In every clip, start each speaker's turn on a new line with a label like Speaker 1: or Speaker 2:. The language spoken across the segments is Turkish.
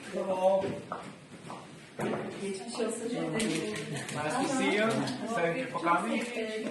Speaker 1: Hello.
Speaker 2: Geçmiş olsun.
Speaker 1: Nice to see you. Thank you for coming.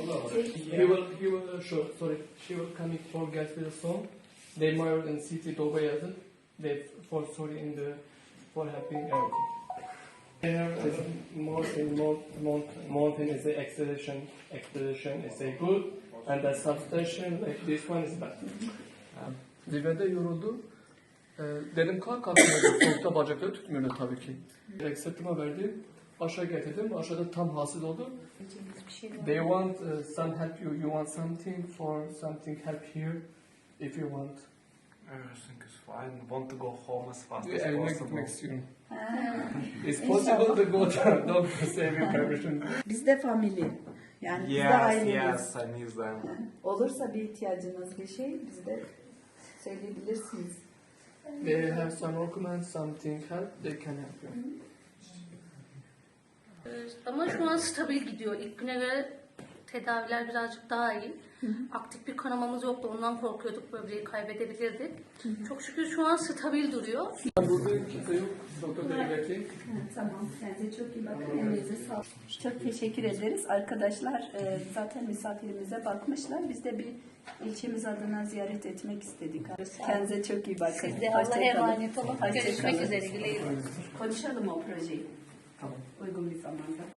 Speaker 3: She will coming for guest with a song. They married in city Doba yazın. They for sorry in the for helping everything. Here is mountain is a expedition is a good and the substation like this one is bad. Zirvede yoruldu. Dedim kalk kalkmıyordu. Soğukta bacakları tutmuyordu tabii ki. Direkt sırtıma verdi. Aşağı getirdim. Aşağıda tam hasıl oldu. They want some help you. You want something for something help here if you want.
Speaker 1: Everything is fine. Want to go home as fast as
Speaker 3: Evime
Speaker 1: possible.
Speaker 3: gitmek istiyorum. It's possible to go to doctor saving permission.
Speaker 2: Biz de family. Yani biz de
Speaker 1: Yes,
Speaker 2: aileyiz.
Speaker 1: yes, I miss them.
Speaker 2: Olursa bir ihtiyacınız bir şey bize de söyleyebilirsiniz.
Speaker 3: They have some documents, something help. They can help you.
Speaker 4: Ama şu an stabil gidiyor. İlk güne göre tedaviler birazcık daha iyi. Aktif bir kanamamız yoktu. Ondan korkuyorduk, böbreği kaybedebilirdik. Çok şükür şu an stabil duruyor.
Speaker 3: Burada kimse yok. Doktor bey bekleyin.
Speaker 2: Tamam. Kendinize çok iyi bakın. Elinize sağlık. Çok teşekkür ederiz. Arkadaşlar zaten misafirimize bakmışlar. Biz de bir ilçemiz adına ziyaret etmek istedik. Kendinize çok iyi bakın.
Speaker 4: Siz de
Speaker 2: Hoşça
Speaker 4: Allah'a
Speaker 2: kalın.
Speaker 4: emanet olun.
Speaker 2: Hoşça
Speaker 4: Görüşmek
Speaker 2: kalın.
Speaker 4: üzere. Güle güle.
Speaker 2: Konuşalım o projeyi.
Speaker 3: Tamam.
Speaker 2: Uygun bir zamanda.